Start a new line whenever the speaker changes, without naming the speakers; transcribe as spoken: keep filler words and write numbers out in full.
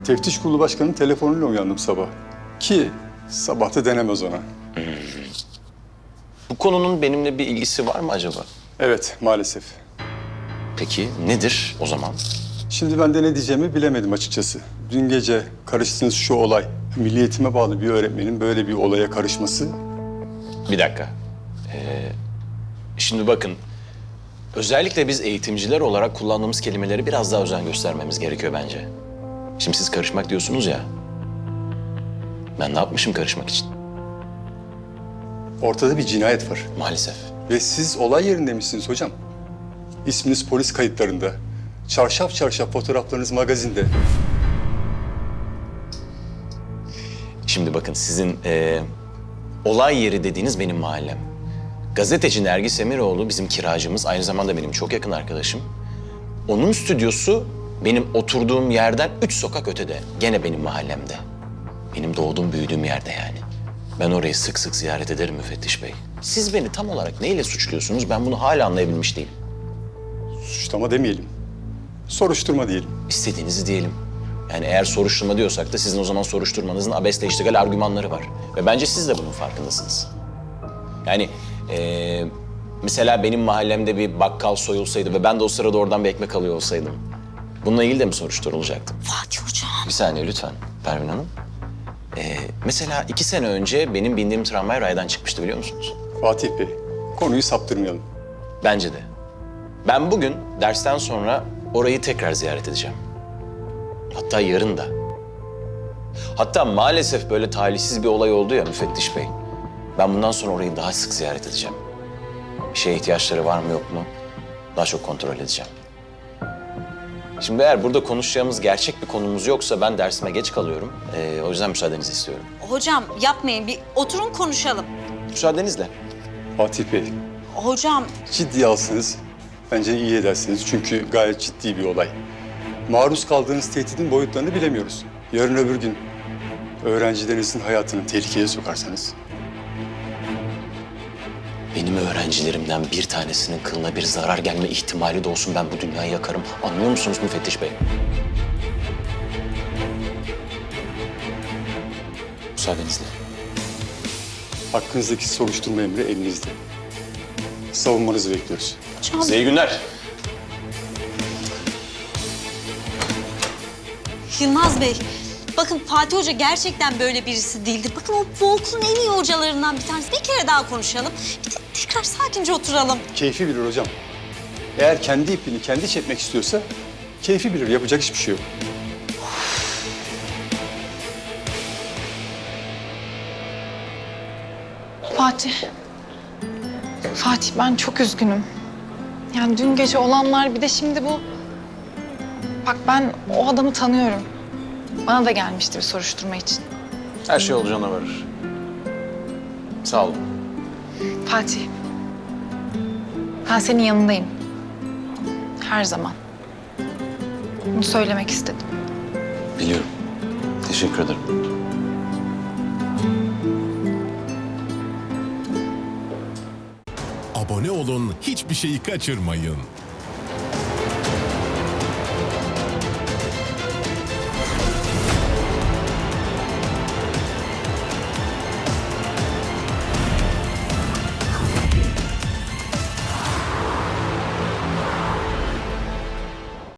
Teftiş Kurulu Başkanı'nın telefonuyla uyandım sabah. Ki sabah da denemez ona.
Bu konunun benimle bir ilgisi var mı acaba?
Evet, maalesef.
Peki nedir o zaman?
Şimdi ben de ne diyeceğimi bilemedim açıkçası. Dün gece karıştığınız şu olay, milli eğitime bağlı bir öğretmenin böyle bir olaya karışması...
Bir dakika. Ee, şimdi bakın, özellikle biz eğitimciler olarak kullandığımız kelimeleri biraz daha özen göstermemiz gerekiyor bence. Şimdi siz karışmak diyorsunuz ya. Ben ne yapmışım karışmak için?
Ortada bir cinayet var.
Maalesef.
Ve siz olay yerinde misiniz hocam? İsminiz polis kayıtlarında. Çarşaf çarşaf fotoğraflarınız magazinde.
Şimdi bakın sizin e, olay yeri dediğiniz benim mahallem. Gazeteci Nergis Emiroğlu bizim kiracımız, aynı zamanda benim çok yakın arkadaşım. Onun stüdyosu benim oturduğum yerden üç sokak ötede. Gene benim mahallemde. Benim doğduğum, büyüdüğüm yerde yani. Ben orayı sık sık ziyaret ederim müfettiş bey. Siz beni tam olarak neyle suçluyorsunuz? Ben bunu hala anlayabilmiş değilim.
Suçlama demeyelim. Soruşturma diyelim.
İstediğinizi diyelim. Yani eğer soruşturma diyorsak da sizin o zaman soruşturmanızın abesle iştigal argümanları var. Ve bence siz de bunun farkındasınız. Yani ee, mesela benim mahallemde bir bakkal soyulsaydı ve ben de o sırada oradan bir ekmek alıyor olsaydım, bununla ilgili de mi soruşturulacaktım?
Fatih Hocam.
Bir saniye lütfen Pervin Hanım. Ee, mesela iki sene önce benim bindiğim tramvay raydan çıkmıştı biliyor musunuz?
Fatih Bey, konuyu saptırmayalım.
Bence de. Ben bugün dersten sonra orayı tekrar ziyaret edeceğim. Hatta yarın da. Hatta maalesef böyle talihsiz bir olay oldu ya müfettiş bey. Ben bundan sonra orayı daha sık ziyaret edeceğim. Bir şeye ihtiyaçları var mı yok mu? Daha çok kontrol edeceğim. Şimdi eğer burada konuşacağımız gerçek bir konumuz yoksa ben dersime geç kalıyorum. Ee, o yüzden müsaadenizi istiyorum.
Hocam yapmayın, bir oturun konuşalım.
Müsaadenizle.
Fatih Bey,
Hocam
ciddiye alsanız bence iyi edersiniz. Çünkü gayet ciddi bir olay. Maruz kaldığınız tehditin boyutlarını bilemiyoruz. Yarın öbür gün öğrencilerinizin hayatını tehlikeye sokarsanız...
Benim öğrencilerimden bir tanesinin kılına bir zarar gelme ihtimali de olsun ben bu dünyayı yakarım. Anlıyor musunuz müfettiş bey? Müsaadenizle.
Hakkınızdaki soruşturma emri elinizde. Savunmanızı bekliyoruz.
hocam
Size iyi günler.
Yılmaz Bey, bakın Fatih Hoca gerçekten böyle birisi değildir. Bakın o bu okulun en iyi hocalarından bir tanesi. Bir kere daha konuşalım. Bir de tekrar sakince oturalım.
Keyfi bilir hocam. Eğer kendi ipini kendi çekmek istiyorsa keyfi bilir. Yapacak hiçbir şey yok.
Fatih. Fatih ben çok üzgünüm. Yani dün gece olanlar bir de şimdi bu... Bak ben o adamı tanıyorum. Bana da gelmişti bir soruşturma için.
Her şey olacağına varır. Sağ olun.
Fatih. Ben senin yanındayım. Her zaman. Bunu söylemek istedim.
Biliyorum. Teşekkür ederim.
Abone olun, hiçbir şeyi kaçırmayın.